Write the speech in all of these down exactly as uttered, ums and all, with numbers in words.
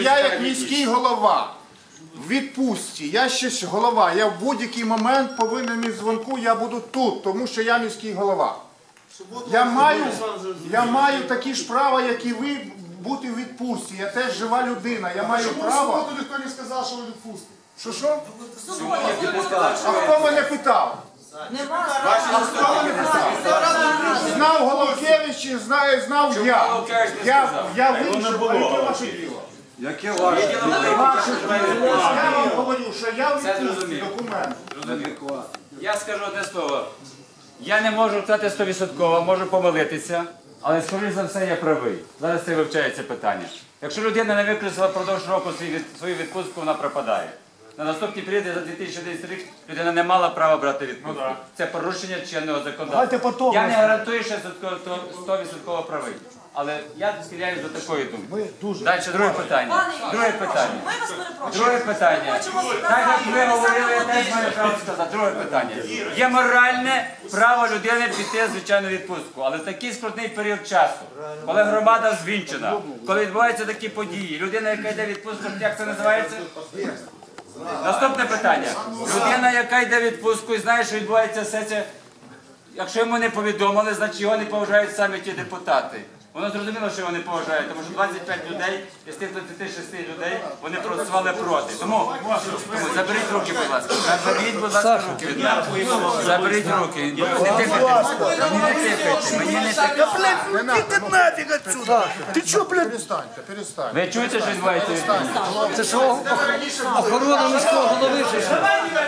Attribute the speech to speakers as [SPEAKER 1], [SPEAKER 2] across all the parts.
[SPEAKER 1] я як міський голова в відпустці, я ще ж голова, я в будь-який момент повинен із дзвонку, я буду тут, тому що я міський голова. Я маю, я маю такі ж права, як і ви, бути в відпустці. Я теж жива людина, я маю право...
[SPEAKER 2] Чому в ніхто не сказав, що ви відпустите?
[SPEAKER 1] Що, що? А хто мене питав? Знав Головкевич, знав, знав я. Я, я вийшов, а яке ваше діло?
[SPEAKER 3] Яке ваше
[SPEAKER 1] Я вам говорю, що я відпустці документ.
[SPEAKER 4] Я скажу одне слово. Я не можу сказати сто відсотків, можу помилитися, але, скоріш за все, я правий. Зараз це вивчається питання. Якщо людина не використала впродовж року свою відпустку, вона пропадає. На наступні періоди за дві тисячі одинадцятий рік людина не мала права брати відпустку. Це порушення чинного законодавства. Я не гарантую, що сто відсотків правий. Але я схиляюсь до такої думки. Далі, друге питання. Друге питання. Друге питання. Так як ви говорили, я теж маю право сказати. Друге питання. Є моральне право людини піти, звичайно, відпустку. Але в такий скрутний період часу, коли громада звінчена, коли відбуваються такі події, людина, яка йде в відпустку, як це називається? Наступне питання. Людина, яка йде в відпустку і знає, що відбувається сесія, якщо йому не повідомили, значить його не поважають самі ті депутати. Воно зрозуміло, що його не поважають, тому що двадцять п'ять людей, із тих двадцяти шести людей, вони проголосували проти. Тому, тому заберіть руки, будь ласка. Заберіть, будь ласка, руки від мене. Заберіть руки. Не тикайте. Мені не тикайте. Мені не тикайте.
[SPEAKER 2] Блядь, іди нафіг отсюда! Ти чо, блядь?
[SPEAKER 1] Перестаньте, перестаньте.
[SPEAKER 4] Ви чуєте, що відбувається?
[SPEAKER 3] Це що? Охорона міського голови чи що?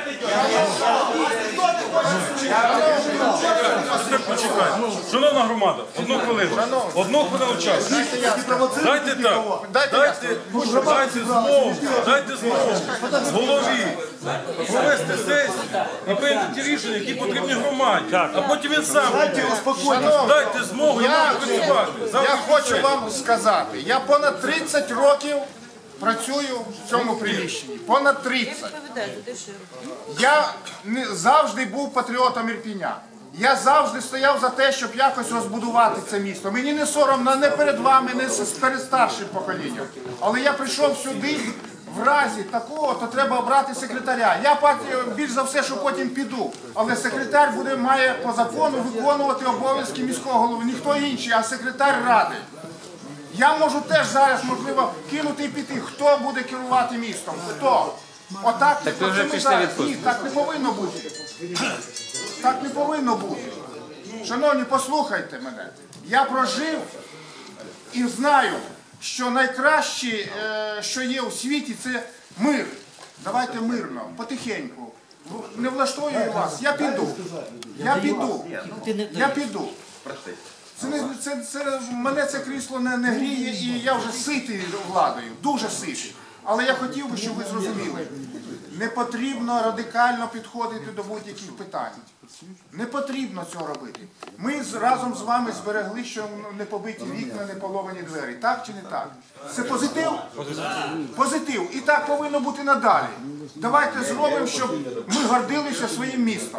[SPEAKER 5] Шановна громада, одну хвилину. Одну хвилину часу. Дайте так. Дайте, дайте змогу, дайте змогу голові провести сесію і прийняти ті рішення, які потрібні громаді. А потім він сам. Дайте змогу йому працювати.
[SPEAKER 1] Я хочу вам сказати, я понад тридцять років працюю в цьому приміщенні. Понад тридцять. Я не, завжди був патріотом Ірпіня. Я завжди стояв за те, щоб якось розбудувати це місто. Мені не соромно не перед вами, не перед старшим поколінням. Але я прийшов сюди, в разі такого, то треба обрати секретаря. Я більш за все, що потім піду. Але секретар буде, має по закону виконувати обов'язки міського голови. Ніхто інший, а секретар ради. Я можу теж зараз, можливо, кинути і піти. Хто буде керувати містом? Хто? Отак,
[SPEAKER 4] Так ви вже пішли відпустку.
[SPEAKER 1] Ні, так не повинно бути. Так не повинно бути. Шановні, послухайте мене. Я прожив і знаю, що найкраще, що є у світі, це мир. Давайте мирно, потихеньку. Не влаштовую вас. Я піду. Я піду. Я піду. Це, не, це, це, мене це крісло не, не гріє, і я вже ситий владою, дуже ситий. Але я хотів би, щоб ви зрозуміли, не потрібно радикально підходити до будь-яких питань. Не потрібно цього робити. Ми з, разом з вами зберегли, що не побиті вікна, не половані двері. Так чи не так? Це позитив? Позитив. І так повинно бути надалі. Давайте зробимо, щоб ми гордилися своїм містом.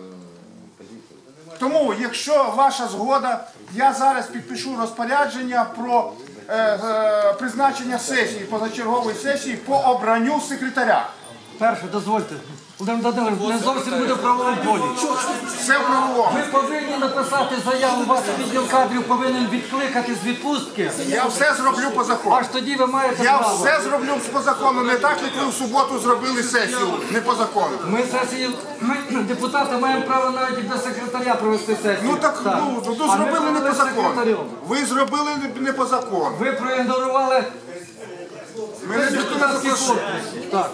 [SPEAKER 1] Тому, якщо ваша згода, я зараз підпишу розпорядження про е, е, призначення сесії, позачергової сесії по обранню секретаря.
[SPEAKER 3] Перше, дозвольте. Володимир Володимирович, не зовсім буде в правовому полі.
[SPEAKER 1] Все в правовому.
[SPEAKER 3] Ви повинні написати заяву, ваш відділ кадрів повинен відкликати з відпустки.
[SPEAKER 1] Я все зроблю по закону.
[SPEAKER 3] Аж тоді ви маєте
[SPEAKER 1] Я
[SPEAKER 3] право.
[SPEAKER 1] все зроблю по закону, не так, як ви в суботу зробили сесію, не по закону.
[SPEAKER 3] Ми сесії, ми, депутати, маємо право навіть і без секретаря провести сесію.
[SPEAKER 1] Ну так, ну, ну
[SPEAKER 3] А ми
[SPEAKER 1] зробили не
[SPEAKER 3] провели
[SPEAKER 1] по закону.
[SPEAKER 3] секретарем.
[SPEAKER 1] Ви зробили не, не по закону.
[SPEAKER 3] Ви проігнорували
[SPEAKER 1] Мене ніхто не запросив.
[SPEAKER 3] Так.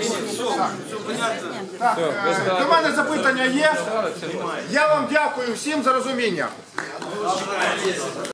[SPEAKER 1] Так, е, до мене запитання є. Я вам дякую всім за розуміння.